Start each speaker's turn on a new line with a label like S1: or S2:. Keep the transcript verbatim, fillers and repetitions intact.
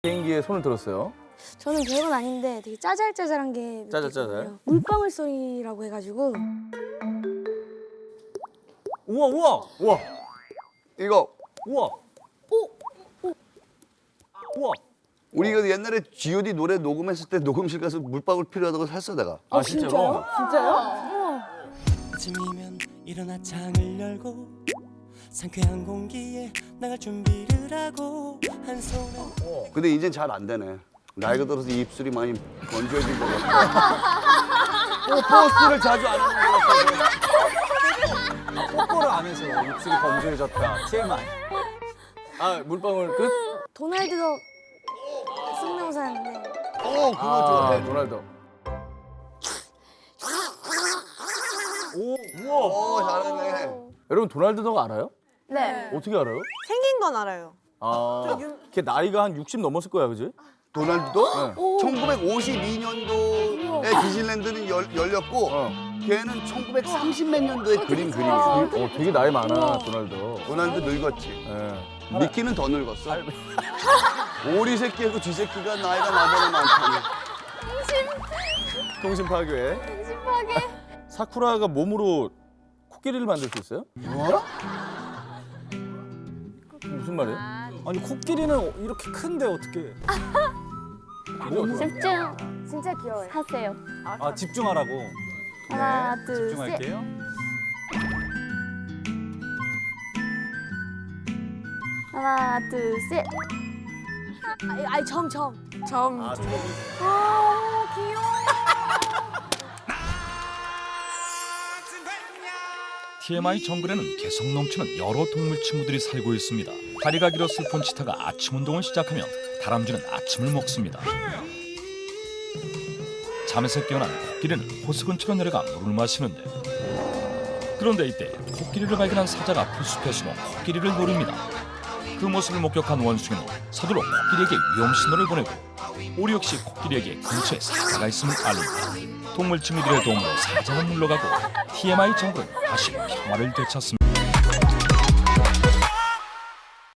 S1: 비행기에 손을 들었어요.
S2: 저는 별건 아닌데 되게 짜잘짜잘한 게
S1: 짜잘짜잘?
S2: 물방울 소리라고 해가지고
S3: 우와 우와
S1: 우와,
S4: 이거
S3: 우와. 오. 우와.
S4: 우리가 옛날에 지 오 디 노래 녹음했을 때 녹음실 가서 물방울 필요하다고 샀어 내가.
S1: 아 진짜로?
S5: 아침이면 일어나 창을 열고 상쾌한 공기에 나갈 준비를 하고 한 손에
S4: 근데 이젠 잘 안 되네. 나이가 들어서 입술이 많이 건조해진 거 같아.
S1: 버스를 자주 안 하는 것 같아요.
S3: 뽀뽀를 안 해서 입술이 건조해졌다. 티 엠 아이.
S1: 아 물방울 끝?
S2: 도날드 덕 성대모사였는데
S4: 어 그거
S1: 아
S4: 좋아해.
S1: 도날드.
S3: 오 우와.
S4: 어 잘하네.
S1: 여러분 도날드 덕 알아요?
S6: 네.
S1: 어떻게 알아요?
S6: 생긴 건 알아요.
S1: 아, 걔 나이가 한 육십 넘었을 거야, 그지?
S4: 도날드도
S1: 네.
S4: 천구백오십이 년도에 디즈니랜드는 열, 열렸고
S1: 어.
S4: 걔는 천구백삼십 몇 년도에 그린 그림이야.
S1: 어, 되게 나이 많아, 도날드.
S4: 도날드 늙었지.
S1: 예.
S4: 미키는 더 늙었어. 오리 새끼하고 쥐 새끼가 나이가 나보다 많다니.
S1: 통신 파괴. 통신 파괴. 사쿠라가 몸으로 코끼리를 만들 수 있어요?
S4: 뭐?
S1: 무슨 말이에요?
S3: 아니 코끼리는 이렇게 큰데 어떻게?
S6: 집중
S2: 진짜 귀여워요.
S6: 하세요.
S3: 아 집중하라고.
S6: 하나, 둘, 셋.
S3: 집중할게요.
S6: 하나, 둘, 셋.
S2: 아니, 아니 점 점.
S6: 점.
S1: 아,
S2: 아 귀여워.
S7: 티 엠 아이 정글에는 개성 넘치는 여러 동물 친구들이 살고 있습니다. 다리가 길어 슬픈 치타가 아침 운동을 시작하면 다람쥐는 아침을 먹습니다. 잠에서 깨어난 코끼리는 호수 근처로 내려가 물을 마시는데, 그런데 이때 코끼리를 발견한 사자가 풀숲에 숨어 코끼리를 노립니다. 그 모습을 목격한 원숭이는 서둘러 코끼리에게 위험 신호를 보내고 오리 역시 코끼리에게 근처에 사자가 있음을 알립니다. 동물 친구들의 도움으로 사자는 물러가고 티 엠 아이 정글은 다시 평화를 되찾습니다.